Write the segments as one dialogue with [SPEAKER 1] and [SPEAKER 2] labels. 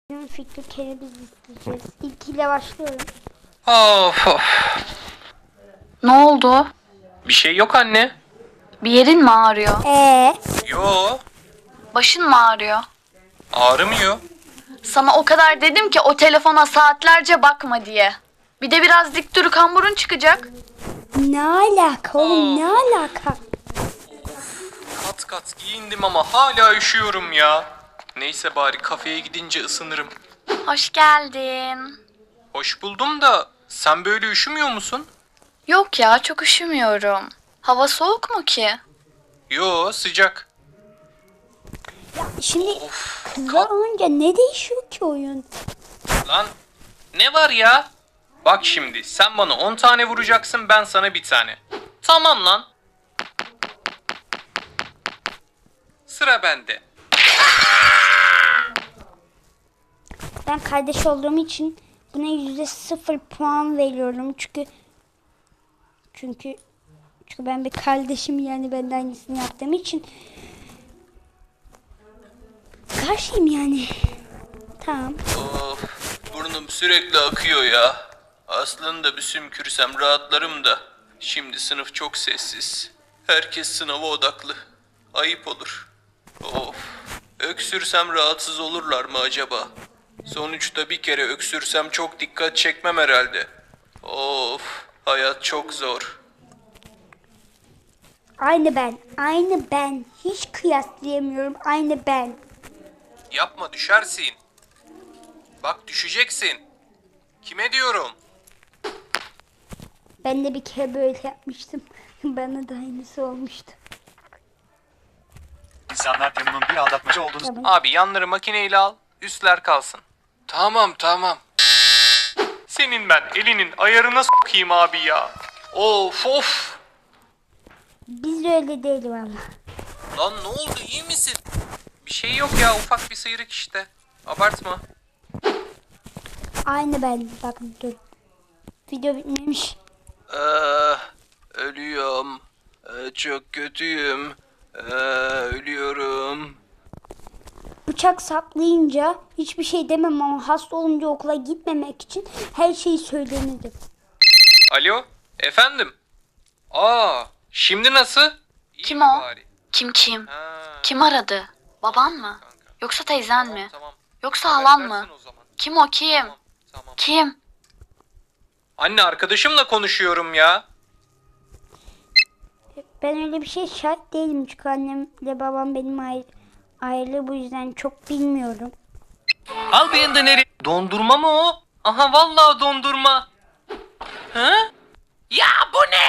[SPEAKER 1] Fikri Kerebiz isteyeceğiz. İlkiyle başlıyorum.
[SPEAKER 2] Of of.
[SPEAKER 3] Ne oldu?
[SPEAKER 2] Bir şey yok anne.
[SPEAKER 3] Bir yerin mi ağrıyor?
[SPEAKER 2] Yo.
[SPEAKER 3] Başın mı ağrıyor?
[SPEAKER 2] Ağrımıyor.
[SPEAKER 3] Sana o kadar dedim ki o telefona saatlerce bakma diye. Bir de biraz dik dur, kamburun çıkacak.
[SPEAKER 1] Ne alaka oğlum, ne alaka?
[SPEAKER 2] Kat kat giyindim ama hala üşüyorum ya. Neyse bari kafeye gidince ısınırım.
[SPEAKER 3] Hoş geldin.
[SPEAKER 2] Hoş buldum da sen böyle üşümüyor musun?
[SPEAKER 3] Yok ya, çok üşümüyorum. Hava soğuk mu ki?
[SPEAKER 2] Yo, sıcak.
[SPEAKER 1] Ya şimdi
[SPEAKER 2] Of.
[SPEAKER 1] kızlar olunca ne değişiyor ki oyun?
[SPEAKER 2] Lan ne var ya? Bak şimdi sen bana 10 tane vuracaksın, ben sana bir tane. Tamam lan. Sıra bende.
[SPEAKER 1] Ben kardeş olduğum için buna %0 puan veriyorum. Çünkü ben bir kardeşim, yani ben de aynısını yaptığım için karşıyım yani. Tamam.
[SPEAKER 2] Of, burnum sürekli akıyor ya. Aslında bir sümkürsem rahatlarım da. Şimdi sınıf çok sessiz. Herkes sınava odaklı. Ayıp olur. Of, öksürsem rahatsız olurlar mı acaba? Sonuçta bir kere öksürsem çok dikkat çekmem herhalde. Of, hayat çok zor.
[SPEAKER 1] Aynı ben. Hiç kıyaslayamıyorum. Aynı ben.
[SPEAKER 2] Yapma, düşersin. Bak düşeceksin. Kime diyorum?
[SPEAKER 1] Ben de bir kere böyle yapmıştım. Bana da aynısı olmuştu.
[SPEAKER 4] İnsanlar Temu'nun bir aldatmacı olduğunu
[SPEAKER 1] Tamam.
[SPEAKER 2] Abi yanları makineyle al, üstler kalsın. Tamam. Senin ben elinin ayarına sokayım abi ya. Of.
[SPEAKER 1] Biz öyle değil valla.
[SPEAKER 2] Lan ne oldu, iyi misin? Bir şey yok ya, ufak bir sıyrık işte. Abartma.
[SPEAKER 1] Aynı ben. Bak dur. Video bitmemiş.
[SPEAKER 2] Ölüyorum. Çok kötüyüm. Ölüyorum.
[SPEAKER 1] Bıçak saplayınca hiçbir şey demem ama hasta olunca okula gitmemek için her şeyi söylenirdim.
[SPEAKER 2] Alo, efendim? Şimdi nasıl? İyi
[SPEAKER 3] Kim
[SPEAKER 2] mi
[SPEAKER 3] o?
[SPEAKER 2] bari?
[SPEAKER 3] Kim?
[SPEAKER 2] Ha,
[SPEAKER 3] Kim aradı? Baban mı?
[SPEAKER 2] kanka.
[SPEAKER 3] Yoksa teyzen mi?
[SPEAKER 2] Tamam.
[SPEAKER 3] Yoksa
[SPEAKER 2] Haber
[SPEAKER 3] halan
[SPEAKER 2] versin
[SPEAKER 3] mı?
[SPEAKER 2] o zaman.
[SPEAKER 3] Kim o, kim?
[SPEAKER 2] Tamam.
[SPEAKER 3] Kim?
[SPEAKER 2] Anne, arkadaşımla konuşuyorum ya.
[SPEAKER 1] Ben öyle bir şey şart değilim çünkü annemle babam benim ayrı, bu yüzden çok bilmiyorum.
[SPEAKER 2] Al beni de nereye? Dondurma mı o? Aha vallahi dondurma. Hı? Ya bu ne?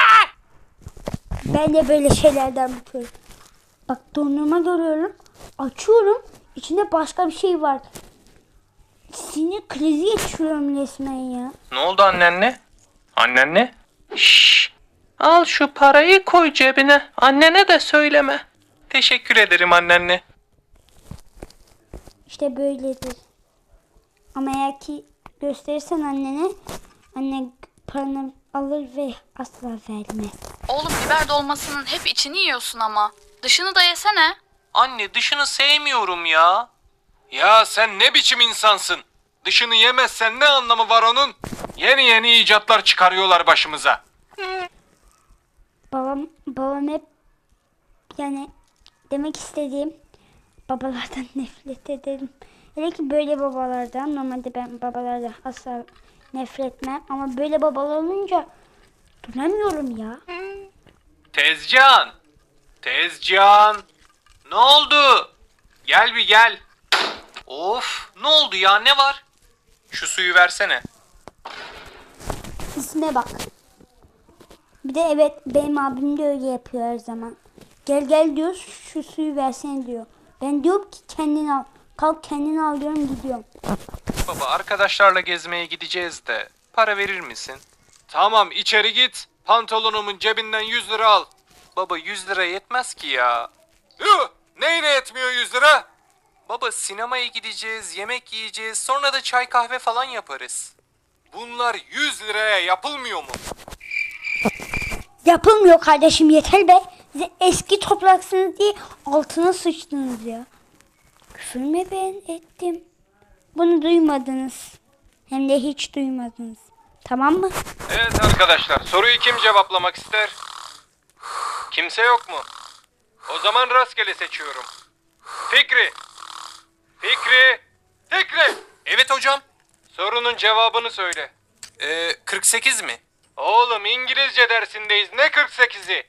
[SPEAKER 1] Ben de böyle şeylerden bakıyorum. Bak dondurma görüyorum. Açıyorum. İçinde başka bir şey var. Sinir krizi geçiriyorum resmen ya.
[SPEAKER 2] Ne oldu annenle? Annenle? Şşş. Al şu parayı, koy cebine. Annene de söyleme. Teşekkür ederim annenle.
[SPEAKER 1] İşte böyledir. Ama eğer ki gösterirsen annene, anne paranı alır ve asla vermez.
[SPEAKER 3] Oğlum, biber dolmasının hep içini yiyorsun ama. Dışını da yesene.
[SPEAKER 2] Anne, dışını sevmiyorum ya. Ya sen ne biçim insansın? Dışını yemezsen ne anlamı var onun? Yeni icatlar çıkarıyorlar başımıza.
[SPEAKER 1] Babam hep, yani demek istediğim, babalardan nefret ederim. Hele ki böyle babalardan. Normalde ben babalardan asla nefret etmem ama böyle babalar olunca duramıyorum ya.
[SPEAKER 2] Tezcan. Ne oldu? Gel bir gel. Of, ne oldu ya, ne var? Şu suyu versene.
[SPEAKER 1] İsme bak. Bir de evet, benim abim de öyle yapıyor her zaman. Gel diyor, şu suyu versene diyor. Ben diyorum ki kendin al. Kalk kendin al diyorum, gidiyorum.
[SPEAKER 2] Baba, arkadaşlarla gezmeye gideceğiz de para verir misin? Tamam, içeri git. Pantolonumun cebinden 100 lira al. Baba, 100 lira yetmez ki ya. Neyine yetmiyor 100 lira? Baba, sinemaya gideceğiz, yemek yiyeceğiz, sonra da çay kahve falan yaparız. Bunlar 100 liraya yapılmıyor mu?
[SPEAKER 1] Yapılmıyor kardeşim, yeter be. Size eski topraksınız diye altına sıçtınız ya. Küfür mü ben ettim? Bunu duymadınız. Hem de hiç duymadınız. Tamam mı?
[SPEAKER 5] Evet arkadaşlar, soruyu kim cevaplamak ister? Kimse yok mu? O zaman rastgele seçiyorum. Fikri! Fikri! Fikri!
[SPEAKER 2] Evet hocam.
[SPEAKER 5] Sorunun cevabını söyle.
[SPEAKER 2] 48 mi?
[SPEAKER 5] Oğlum İngilizce dersindeyiz. Ne 48'i?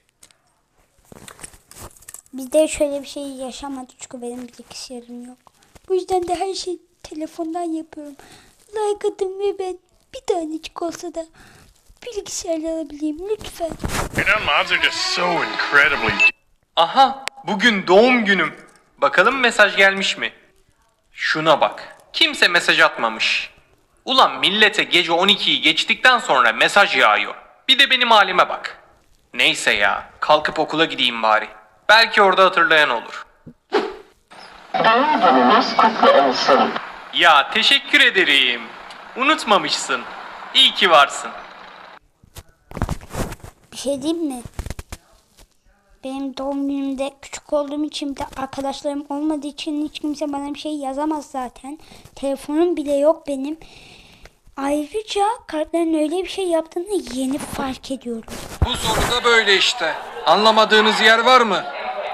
[SPEAKER 1] Bizde şöyle bir şey yaşamadık çünkü benim bilgisayarım yok. Bu yüzden de her şeyi telefondan yapıyorum. Like atın ve ben bir tanecik olsa da bilgisayarla alabileyim lütfen.
[SPEAKER 4] You know, mods are just so incredibly.
[SPEAKER 2] Aha, bugün doğum günüm. Bakalım mesaj gelmiş mi? Şuna bak. Kimse mesaj atmamış. Ulan millete gece 12'yi geçtikten sonra mesaj yağıyor. Bir de benim halime bak. Neyse ya, kalkıp okula gideyim bari. Belki orada hatırlayan olur.
[SPEAKER 6] Doğum gününüz kutlu olsun.
[SPEAKER 2] Ya teşekkür ederim. Unutmamışsın. İyi ki varsın.
[SPEAKER 1] Bir şey diyeyim mi? Benim doğum günümde küçük olduğum için de arkadaşlarım olmadığı için hiç kimse bana bir şey yazamaz zaten. Telefonum bile yok benim. Ayrıca kartların öyle bir şey yaptığını yeni fark ediyorum.
[SPEAKER 5] Bu soruda böyle işte. Anlamadığınız yer var mı?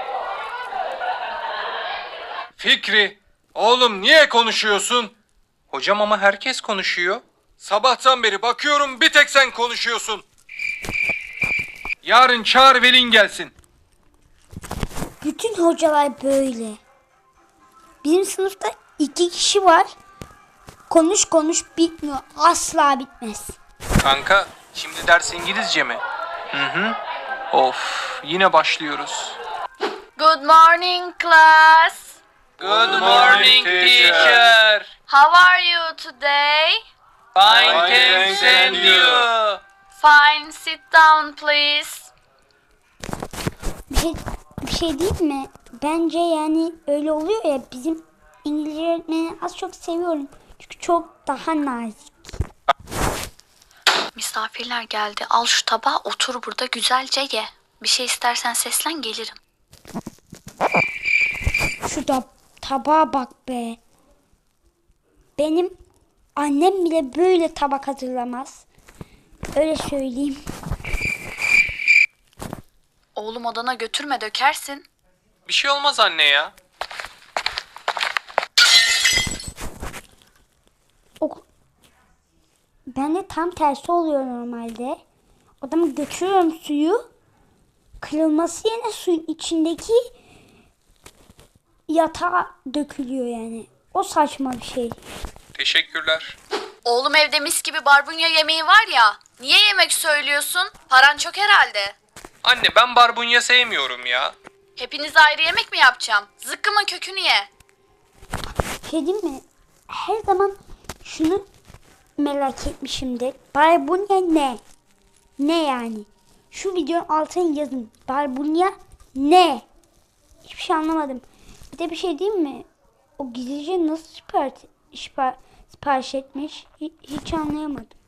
[SPEAKER 5] Fikri! Oğlum niye konuşuyorsun?
[SPEAKER 2] Hocam ama herkes konuşuyor.
[SPEAKER 5] Sabahtan beri bakıyorum bir tek sen konuşuyorsun. Yarın çağır velin gelsin.
[SPEAKER 1] Bütün hocalar böyle. Bizim sınıfta 2 kişi var. Konuş konuş bitmiyor. Asla bitmez.
[SPEAKER 2] Kanka, şimdi ders İngilizce mi? Hı. Of, yine başlıyoruz.
[SPEAKER 3] Good morning class.
[SPEAKER 2] Good morning teacher.
[SPEAKER 3] How are you today?
[SPEAKER 2] Fine, thanks and you.
[SPEAKER 3] Fine, sit down please.
[SPEAKER 1] Bir şey değil mi? Bence yani öyle oluyor ya, bizim İngilizce öğretmenini az çok seviyorum. Çünkü çok daha nazik.
[SPEAKER 3] Misafirler geldi. Al şu tabağı, otur burada güzelce ye. Bir şey istersen seslen, gelirim.
[SPEAKER 1] Şu tabağa bak be. Benim annem bile böyle tabak hazırlamaz. Öyle söyleyeyim.
[SPEAKER 3] Oğlum odana götürme, dökersin.
[SPEAKER 2] Bir şey olmaz anne ya.
[SPEAKER 1] Ben de tam tersi oluyor normalde. Odama götürüyorum suyu. Kırılması yerine suyun içindeki yatağa dökülüyor yani. O saçma bir şey.
[SPEAKER 2] Teşekkürler.
[SPEAKER 3] Oğlum evde mis gibi barbunya yemeği var ya. Niye yemek söylüyorsun? Paran çok herhalde.
[SPEAKER 2] Anne ben barbunya sevmiyorum ya.
[SPEAKER 3] Hepinize ayrı yemek mi yapacağım? Zıkkımın kökünü ye.
[SPEAKER 1] Şey diyeyim mi? Her zaman şunu merak etmişimdir. Barbunya ne? Ne yani? Şu videonun altına yazın. Barbunya ne? Hiçbir şey anlamadım. Bir de bir şey diyeyim mi? O gizlice nasıl sipariş etmiş? Hiç anlayamadım.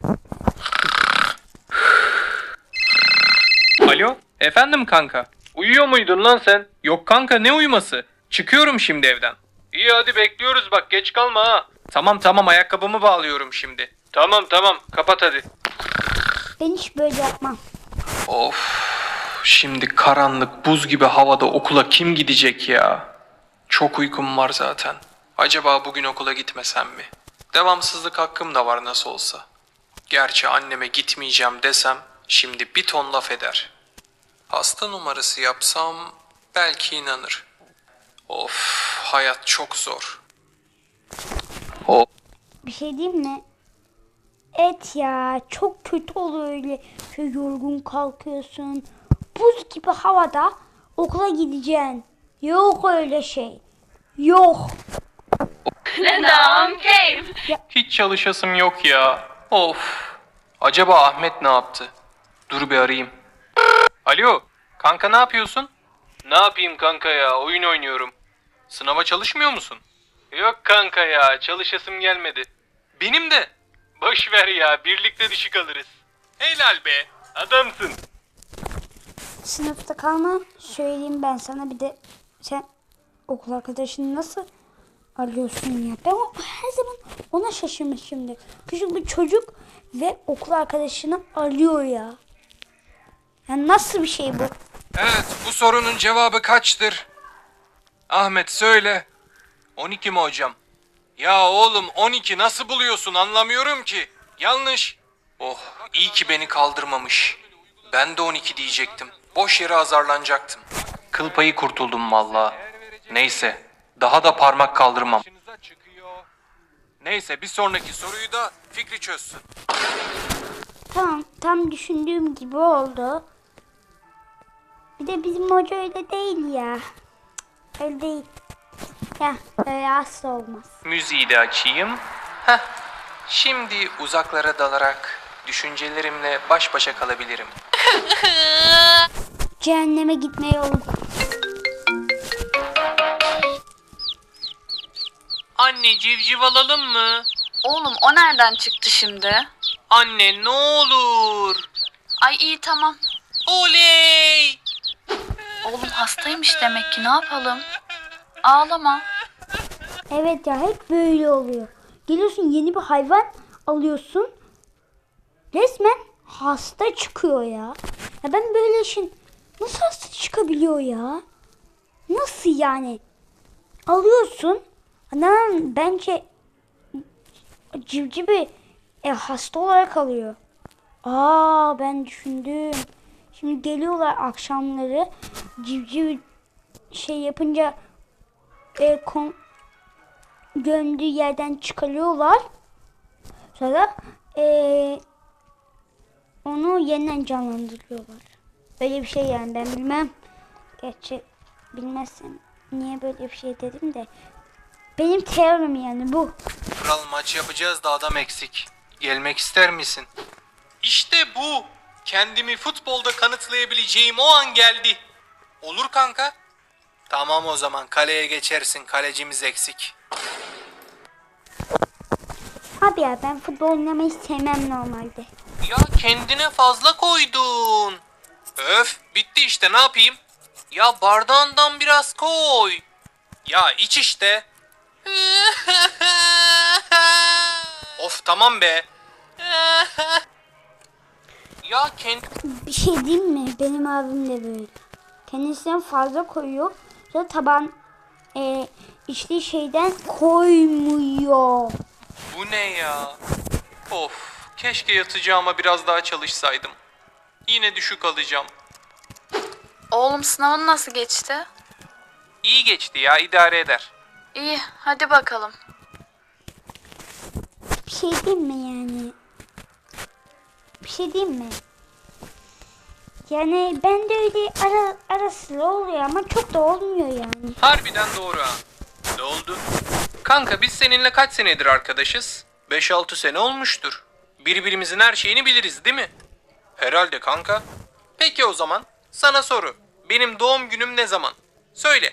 [SPEAKER 2] Alo, efendim kanka.
[SPEAKER 5] Uyuyor muydun lan sen?
[SPEAKER 2] Yok kanka, ne uyuması? Çıkıyorum şimdi evden.
[SPEAKER 5] İyi hadi bekliyoruz bak, geç kalma ha.
[SPEAKER 2] Tamam, ayakkabımı bağlıyorum şimdi.
[SPEAKER 5] Tamam kapat hadi.
[SPEAKER 1] Ben hiç böyle yapmam.
[SPEAKER 2] Of, şimdi karanlık buz gibi havada okula kim gidecek ya? Çok uykum var zaten. Acaba bugün okula gitmesem mi? Devamsızlık hakkım da var nasıl olsa. Gerçi anneme gitmeyeceğim desem şimdi bir ton laf eder. Hasta numarası yapsam belki inanır. Of, hayat çok zor.
[SPEAKER 1] Bir şey diyeyim mi? Evet ya, çok kötü oluyor öyle. Şöyle yorgun kalkıyorsun. Buz gibi havada okula gideceksin. Yok öyle şey. Yok.
[SPEAKER 2] Hiç çalışasım yok ya. Of. Acaba Ahmet ne yaptı? Dur bir arayayım. Alo, kanka ne yapıyorsun?
[SPEAKER 5] Ne yapayım kanka ya, oyun oynuyorum.
[SPEAKER 2] Sınava çalışmıyor musun?
[SPEAKER 5] Yok kanka ya, çalışasım gelmedi.
[SPEAKER 2] Benim de.
[SPEAKER 5] Boş ver ya, birlikte düşük alırız.
[SPEAKER 2] Helal be.
[SPEAKER 5] Adamsın.
[SPEAKER 1] Sınıfta kalma. Söyleyeyim ben sana, bir de sen okul arkadaşını nasıl arıyorsun ya? Ben her zaman Ona şaşırmış şimdi. Küçük bir çocuk ve okul arkadaşını arıyor ya. Ya nasıl bir şey bu?
[SPEAKER 5] Evet, bu sorunun cevabı kaçtır? Ahmet söyle.
[SPEAKER 2] 12 mi hocam? Ya oğlum 12 nasıl buluyorsun anlamıyorum ki. Yanlış. Oh iyi ki beni kaldırmamış. Ben de 12 diyecektim. Boş yere azarlanacaktım. Kıl payı kurtuldum valla. Neyse daha da parmak kaldırmam. Neyse bir sonraki soruyu da Fikri çözsün.
[SPEAKER 1] Tamam, tam düşündüğüm gibi oldu. Bir de bizim hoca öyle değil ya. Cık, öyle değil. Ya öyle asla olmaz.
[SPEAKER 2] Müziği de açayım. Heh. Şimdi uzaklara dalarak düşüncelerimle baş başa kalabilirim.
[SPEAKER 1] Cehenneme gitme yolu.
[SPEAKER 2] Anne civciv alalım mı?
[SPEAKER 3] Oğlum o nereden çıktı şimdi?
[SPEAKER 2] Anne ne olur.
[SPEAKER 3] Ay iyi tamam.
[SPEAKER 2] Oley!
[SPEAKER 3] Oğlum hastaymış demek ki ne yapalım? Ağlama.
[SPEAKER 1] Evet ya, hep böyle oluyor. Geliyorsun, yeni bir hayvan alıyorsun. Resmen hasta çıkıyor ya. Ya ben böyle işin nasıl hasta çıkabiliyor ya? Nasıl yani? Alıyorsun. Anam bence civcivi hasta olarak alıyor. Ben düşündüm. Şimdi geliyorlar akşamları, civciv şey yapınca gömdüğü yerden çıkarıyorlar. Sonra onu yeniden canlandırıyorlar. Böyle bir şey yani, ben bilmem. Gerçi bilmezsem niye böyle bir şey dedim de. Benim teorim yani bu.
[SPEAKER 2] Kral maç yapacağız da adam eksik. Gelmek ister misin? İşte bu. Kendimi futbolda kanıtlayabileceğim o an geldi. Olur kanka. Tamam o zaman kaleye geçersin. Kalecimiz eksik.
[SPEAKER 1] Abi ya, ben futbol oynamayı sevmem normalde.
[SPEAKER 2] Ya kendine fazla koydun. Öf bitti işte ne yapayım? Ya bardağından biraz koy. Ya iç işte. Of tamam be. Ya
[SPEAKER 1] Bir şey diyeyim mi? Benim abim de böyle. Kendisinden fazla koyuyor. Sonra taban içtiği şeyden koymuyor.
[SPEAKER 2] bu ne ya? Of keşke yatacağıma biraz daha çalışsaydım. Yine düşük alacağım.
[SPEAKER 3] Oğlum sınavın nasıl geçti?
[SPEAKER 2] İyi geçti ya idare eder.
[SPEAKER 3] İyi hadi bakalım.
[SPEAKER 1] Bir şey diyeyim mi yani? Bir şey diyeyim mi? Yani ben de öyle ara sıra oluyor ama çok da olmuyor yani.
[SPEAKER 2] Harbiden doğru ha. Ne oldu? Kanka biz seninle kaç senedir arkadaşız? 5-6 sene olmuştur. Birbirimizin her şeyini biliriz değil mi? Herhalde kanka. Peki o zaman sana soru. Benim doğum günüm ne zaman? Söyle.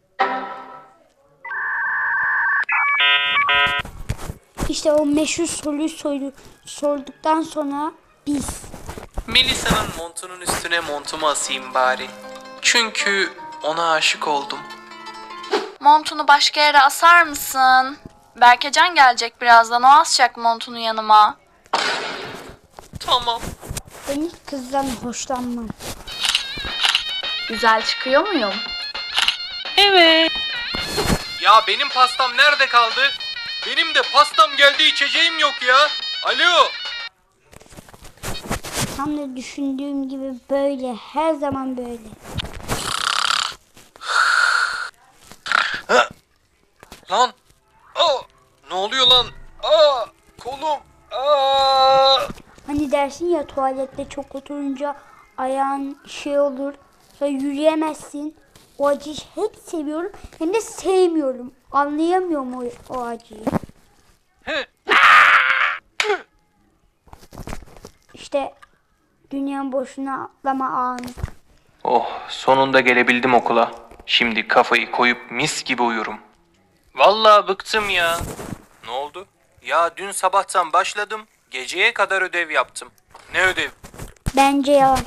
[SPEAKER 1] İşte o meşhur soruyu sorduktan sonra biz.
[SPEAKER 2] Melisa'nın montunun üstüne montumu asayım bari. Çünkü ona aşık oldum.
[SPEAKER 3] Montunu başka yere asar mısın? Berkecan gelecek birazdan o asacak montunu yanıma.
[SPEAKER 2] Tamam.
[SPEAKER 1] Ben hiç kızdan hoşlanmam.
[SPEAKER 3] Güzel çıkıyor muyum?
[SPEAKER 2] Ya benim pastam nerede kaldı? Benim de pastam geldi içeceğim yok ya. Alo.
[SPEAKER 1] Tam da düşündüğüm gibi böyle. Her zaman böyle.
[SPEAKER 2] Lan. Ne oluyor lan? Kolum.
[SPEAKER 1] Hani dersin ya, tuvalette çok oturunca ayağın şey olur. Sonra yürüyemezsin. O acıyı hem seviyorum hem de sevmiyorum. Anlayamıyorum o acıyı. İşte dünyanın boşuna atlama anı.
[SPEAKER 2] Oh sonunda gelebildim okula. Şimdi kafayı koyup mis gibi uyurum. Vallahi bıktım ya. Ne oldu? Ya dün sabahtan başladım. Geceye kadar ödev yaptım. Ne ödev?
[SPEAKER 1] Bence yalan.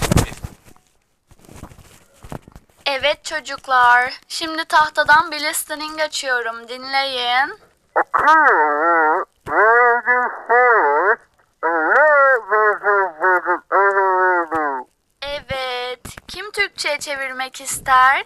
[SPEAKER 3] Evet çocuklar. Şimdi tahtadan bir listening açıyorum. Dinleyin. tersine çevirmek ister?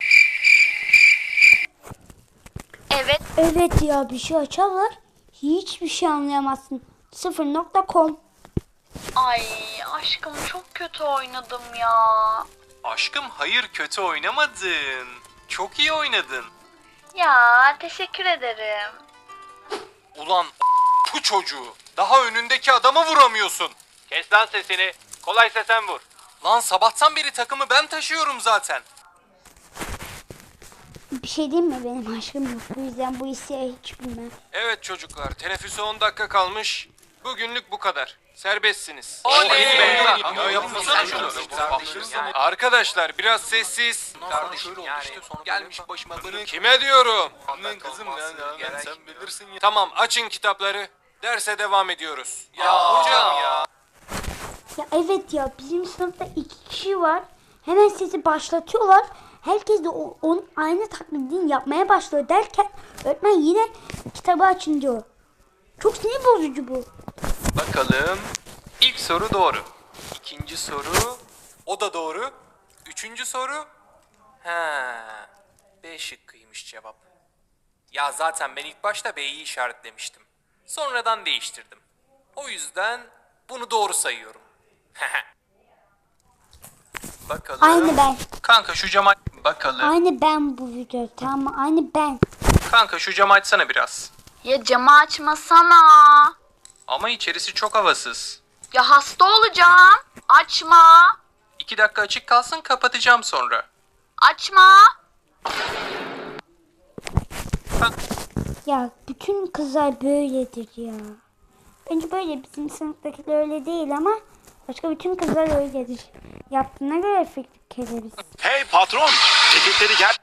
[SPEAKER 3] Evet.
[SPEAKER 1] Evet ya, bir şey açarlar. Hiçbir şey anlayamazsın. 0.com.
[SPEAKER 3] Ay aşkım çok kötü oynadım ya.
[SPEAKER 2] Aşkım hayır, kötü oynamadın. Çok iyi oynadın.
[SPEAKER 3] Ya teşekkür ederim.
[SPEAKER 5] Ulan bu çocuğu. Daha önündeki adama vuramıyorsun.
[SPEAKER 2] Kes lan sesini. Kolaysa sen vur.
[SPEAKER 5] Lan sabahtan beri takımı ben taşıyorum zaten.
[SPEAKER 1] Bir şey diyeyim mi, benim aşkım yok. Bu yüzden bu liseyi hiç bilmem.
[SPEAKER 5] Evet çocuklar, teneffüse 10 dakika kalmış. Bugünlük bu kadar. Serbestsiniz. Arkadaşlar biraz sessiz.
[SPEAKER 2] Gelmiş başıma bunu.
[SPEAKER 5] Kime diyorum?
[SPEAKER 2] Kızım sen bilirsin ya.
[SPEAKER 5] Tamam, açın kitapları. Derse devam ediyoruz.
[SPEAKER 2] Hocam ya.
[SPEAKER 1] Ya evet ya, bizim sınıfta 2 kişi var. Hemen sesi başlatıyorlar. Herkes de onun aynı taklidini yapmaya başlıyor derken öğretmen yine kitabı açın diyor. Çok sinir bozucu bu.
[SPEAKER 2] Bakalım. İlk soru doğru. İkinci soru.
[SPEAKER 5] O da doğru. Üçüncü soru. He. B şıkkıymış cevap. Ya zaten ben ilk başta B'yi işaretlemiştim. Sonradan değiştirdim. O yüzden bunu doğru sayıyorum.
[SPEAKER 2] Bakalım.
[SPEAKER 1] Aynı ben.
[SPEAKER 2] Kanka şu camı bakalım.
[SPEAKER 1] Aynı ben bu video, tamam mı? Aynı ben.
[SPEAKER 2] Kanka şu camı açsana biraz.
[SPEAKER 3] Ya camı açmasana.
[SPEAKER 2] Ama içerisi çok havasız.
[SPEAKER 3] Ya hasta olacağım. Açma.
[SPEAKER 2] 2 dakika açık kalsın, kapatacağım sonra.
[SPEAKER 3] Açma.
[SPEAKER 1] Ya bütün kızlar böyledir ya. Bence böyle, bizim sınıftakiler öyle değil ama başka bütün kızlar öyledir. Yaptığına göre fikir biz.
[SPEAKER 4] Hey patron, ceketleri gel.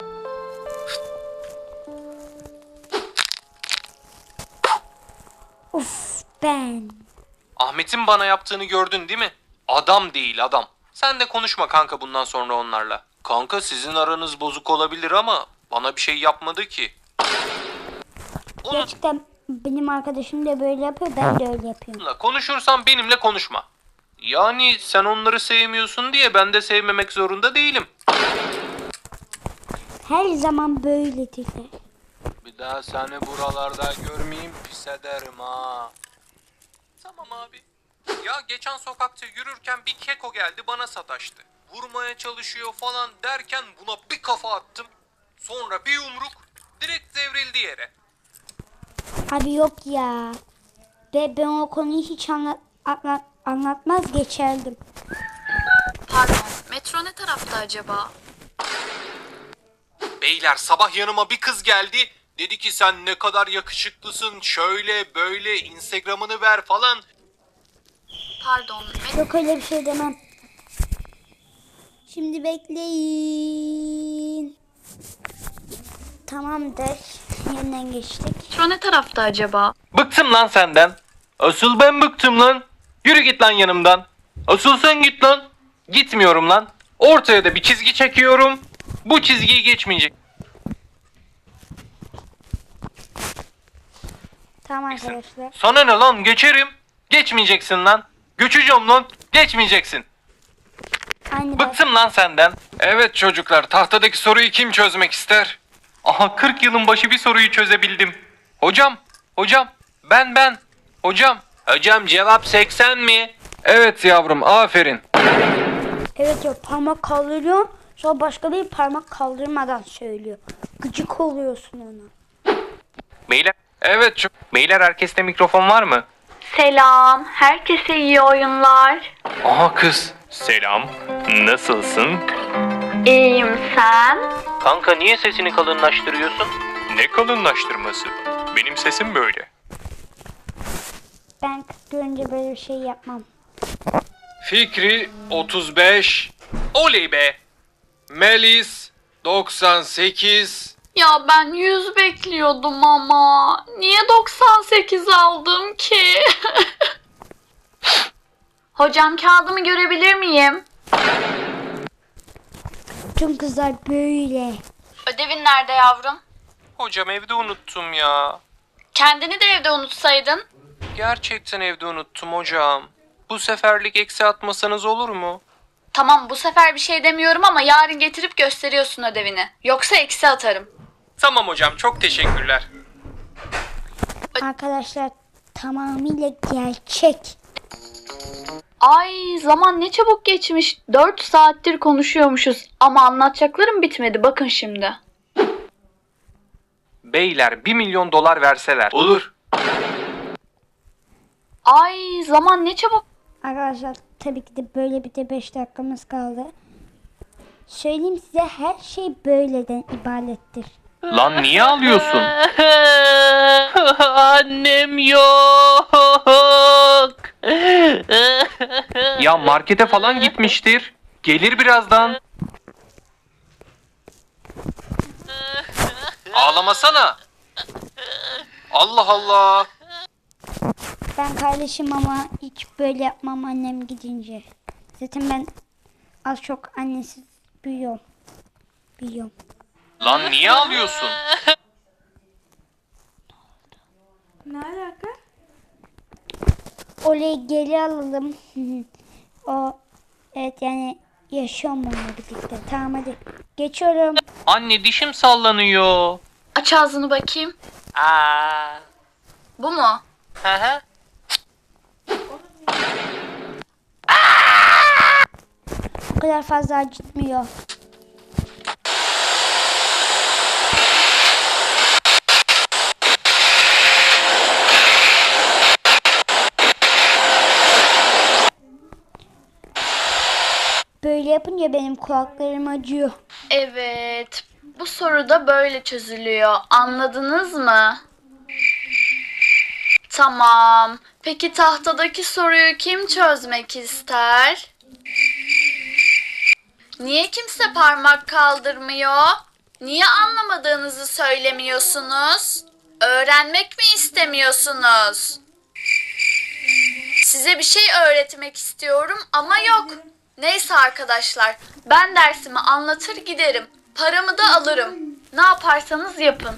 [SPEAKER 1] Uf, ben.
[SPEAKER 2] Ahmet'in bana yaptığını gördün değil mi? Adam değil adam. Sen de konuşma kanka bundan sonra onlarla. Kanka sizin aranız bozuk olabilir ama bana bir şey yapmadı ki.
[SPEAKER 1] Gerçekten benim arkadaşım da böyle yapıyor, ben de öyle yapıyorum.
[SPEAKER 2] Onunla konuşursan benimle konuşma. Yani sen onları sevmiyorsun diye ben de sevmemek zorunda değilim.
[SPEAKER 1] Her zaman böyledirler.
[SPEAKER 2] Bir daha seni buralarda görmeyeyim, pis ederim ha. Tamam abi. Ya geçen sokakta yürürken bir keko geldi bana sataştı. Vurmaya çalışıyor falan derken buna bir kafa attım. Sonra bir yumruk direkt devrildi yere.
[SPEAKER 1] Abi yok ya. Ben o konuyu hiç anlatmaz geçerdim.
[SPEAKER 3] Pardon. Metro ne tarafta acaba?
[SPEAKER 2] Beyler sabah yanıma bir kız geldi. Dedi ki sen ne kadar yakışıklısın, şöyle böyle Instagram'ını ver falan.
[SPEAKER 3] Pardon.
[SPEAKER 1] Yok öyle bir şey demem. Şimdi bekleyin. Tamamdır. Yeniden geçtik.
[SPEAKER 3] Metro ne tarafta acaba?
[SPEAKER 2] Bıktım lan senden. Asıl ben bıktım lan. Yürü git lan yanımdan. Asıl sen git lan. Gitmiyorum lan. Ortaya da bir çizgi çekiyorum. Bu çizgiyi geçmeyecek.
[SPEAKER 1] Tamam arkadaşlar.
[SPEAKER 2] Sana ne lan, geçerim. Geçmeyeceksin lan. Göçeceğim lan. Geçmeyeceksin.
[SPEAKER 1] Aynı ben.
[SPEAKER 2] Bıktım lan senden.
[SPEAKER 5] Evet çocuklar, tahtadaki soruyu kim çözmek ister?
[SPEAKER 2] Aha 40 yılın başı bir soruyu çözebildim. Hocam. Ben. Hocam cevap 80 mi?
[SPEAKER 5] Evet yavrum, aferin.
[SPEAKER 1] Evet ya, parmak kaldırıyor. Sonra başkaları parmak kaldırmadan söylüyor. Gıcık oluyorsun ona.
[SPEAKER 2] Beyler.
[SPEAKER 5] Evet
[SPEAKER 2] Beyler herkeste mikrofon var mı?
[SPEAKER 3] Selam. Herkese iyi oyunlar.
[SPEAKER 2] Aha kız. Selam. Nasılsın?
[SPEAKER 3] İyiyim sen?
[SPEAKER 2] Kanka niye sesini kalınlaştırıyorsun? Ne kalınlaştırması? Benim sesim böyle.
[SPEAKER 1] Ben kız görünce böyle bir şey yapmam.
[SPEAKER 5] Fikri 35,
[SPEAKER 2] Oley be.
[SPEAKER 5] Melis 98.
[SPEAKER 3] Ya ben 100 bekliyordum ama. Niye 98 aldım ki? Hocam kağıdımı görebilir miyim?
[SPEAKER 1] Tüm kızlar böyle.
[SPEAKER 3] Ödevin nerede yavrum?
[SPEAKER 2] Hocam evde unuttum ya.
[SPEAKER 3] Kendini de evde unutsaydın.
[SPEAKER 2] Gerçekten evde unuttum hocam. Bu seferlik eksi atmasanız olur mu?
[SPEAKER 3] Tamam bu sefer bir şey demiyorum ama yarın getirip gösteriyorsun ödevini. Yoksa eksi atarım.
[SPEAKER 5] Tamam hocam, çok teşekkürler.
[SPEAKER 1] Arkadaşlar tamamıyla gerçek.
[SPEAKER 3] Ay zaman ne çabuk geçmiş. 4 saattir konuşuyormuşuz ama anlatacaklarım bitmedi bakın şimdi.
[SPEAKER 5] Beyler 1 milyon dolar verseler.
[SPEAKER 2] Olur.
[SPEAKER 3] Ay zaman ne çabuk.
[SPEAKER 1] Arkadaşlar tabii ki de böyle bir de 5 dakikamız kaldı. Söyleyeyim size her şey böyleden ibarettir.
[SPEAKER 5] Lan niye ağlıyorsun?
[SPEAKER 2] Annem yok.
[SPEAKER 5] Ya markete falan gitmiştir. Gelir birazdan. Ağlamasana. Allah Allah.
[SPEAKER 1] Ben kardeşim ama hiç böyle yapmam annem gidince. Zaten ben az çok annesiz büyüyorum. Büyüyorum.
[SPEAKER 5] Lan niye ağlıyorsun?
[SPEAKER 1] Orayı geri alalım. O evet yani yaşıyorum onunla birlikte. Tamam hadi. Geçiyorum.
[SPEAKER 5] Anne dişim sallanıyor.
[SPEAKER 3] Aç ağzını bakayım.
[SPEAKER 5] Aa.
[SPEAKER 3] Bu mu?
[SPEAKER 5] Hı hı.
[SPEAKER 1] O kadar fazla acıtmıyor. Böyle yapınca benim kulaklarım acıyor.
[SPEAKER 3] Evet. Bu soru da böyle çözülüyor. Anladınız mı? Tamam. Peki tahtadaki soruyu kim çözmek ister? Niye kimse parmak kaldırmıyor? Niye anlamadığınızı söylemiyorsunuz? Öğrenmek mi istemiyorsunuz? Size bir şey öğretmek istiyorum ama yok. Neyse arkadaşlar, ben dersimi anlatır giderim. Paramı da alırım. Ne yaparsanız yapın.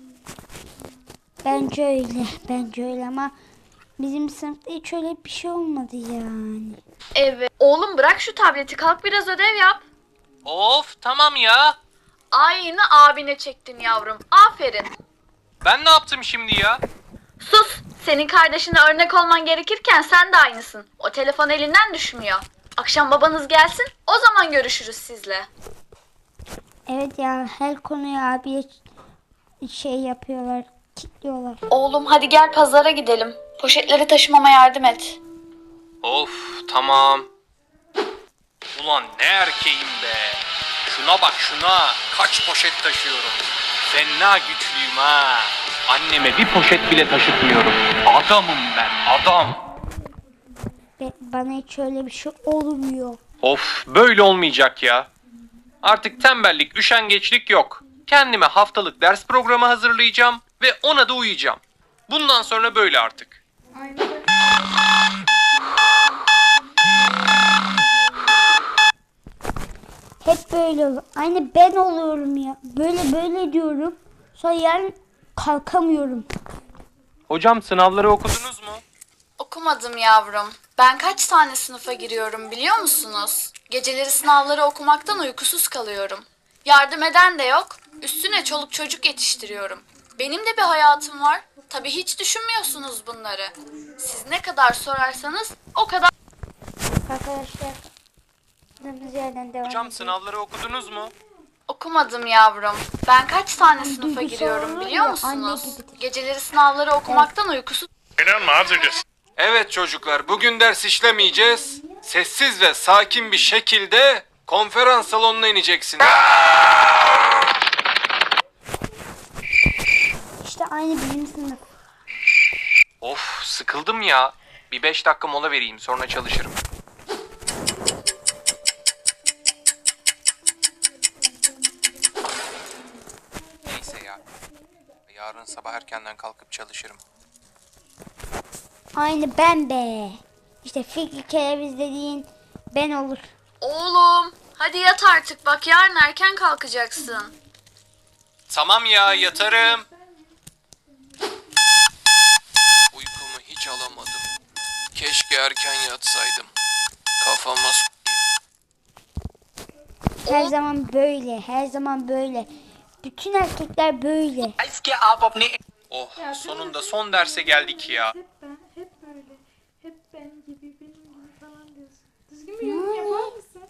[SPEAKER 1] Bence öyle. Bence öyle ama bizim sınıfta hiç öyle bir şey olmadı yani.
[SPEAKER 3] Evet. Oğlum bırak şu tableti, kalk biraz ödev yap.
[SPEAKER 5] Of tamam ya.
[SPEAKER 3] Aynı abine çektin yavrum. Aferin.
[SPEAKER 5] Ben ne yaptım şimdi ya?
[SPEAKER 3] Sus. Senin kardeşine örnek olman gerekirken sen de aynısın. O telefon elinden düşmüyor. Akşam babanız gelsin, o zaman görüşürüz sizle.
[SPEAKER 1] Evet ya her konuya abiye şey yapıyorlar. Kilitliyorlar.
[SPEAKER 3] Oğlum hadi gel pazara gidelim. Poşetleri taşımama yardım et.
[SPEAKER 5] Of tamam. Ulan ne erkeğim be. Şuna bak şuna. Kaç poşet taşıyorum. Fena güçlüyüm ha. Anneme bir poşet bile taşıtmıyorum. Adamım ben adam.
[SPEAKER 1] Bana hiç öyle bir şey olmuyor.
[SPEAKER 5] Of böyle olmayacak ya. Artık tembellik, üşengeçlik yok. Kendime haftalık ders programı hazırlayacağım ve ona da uyuyacağım. Bundan sonra böyle artık.
[SPEAKER 1] Hep böyle olur. Aynı ben oluyorum ya. Böyle diyorum. Sonra yarın kalkamıyorum.
[SPEAKER 5] Hocam sınavları okudunuz mu?
[SPEAKER 3] Okumadım yavrum. Ben kaç tane sınıfa giriyorum biliyor musunuz? Geceleri sınavları okumaktan uykusuz kalıyorum. Yardım eden de yok. Üstüne çoluk çocuk yetiştiriyorum. Benim de bir hayatım var. Tabii hiç düşünmüyorsunuz bunları. Siz ne kadar sorarsanız o kadar...
[SPEAKER 1] Arkadaşlar. Kaldığımız yerden devam
[SPEAKER 5] Hocam
[SPEAKER 1] edelim.
[SPEAKER 5] sınavları okudunuz mu?
[SPEAKER 3] Okumadım yavrum. Ben kaç tane sınıfa
[SPEAKER 1] duygusal
[SPEAKER 3] giriyorum
[SPEAKER 1] olur
[SPEAKER 3] biliyor
[SPEAKER 1] ya,
[SPEAKER 3] musunuz?
[SPEAKER 1] anne gibidir.
[SPEAKER 3] Geceleri sınavları okumaktan uykusuz...
[SPEAKER 2] Evet çocuklar, bugün ders işlemeyeceğiz. Sessiz ve sakin bir şekilde konferans salonuna ineceksiniz.
[SPEAKER 1] İşte aynı bizim sınıf.
[SPEAKER 5] Of sıkıldım ya. Bir 5 dakika mola vereyim sonra çalışırım. Neyse ya. Yarın sabah erkenden kalkıp çalışırım.
[SPEAKER 1] Aynı ben be. İşte Fikri Kereviz dediğin ben olur.
[SPEAKER 3] Oğlum hadi yat artık bak yarın erken kalkacaksın.
[SPEAKER 5] Tamam ya yatarım. Uykumu hiç alamadım. Keşke erken yatsaydım. Kafama s**eyim.
[SPEAKER 1] Her zaman böyle. Her zaman böyle. Bütün erkekler böyle.
[SPEAKER 5] Oh, sonunda son derse geldik ya.
[SPEAKER 7] Hep böyle. Hep ben gibi, benim gibi falan diyorsun. Düzgün bir yorum yapar mısın?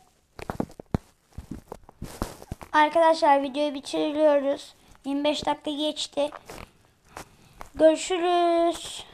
[SPEAKER 1] Arkadaşlar videoyu bitiriyoruz. 25 dakika geçti. Görüşürüz.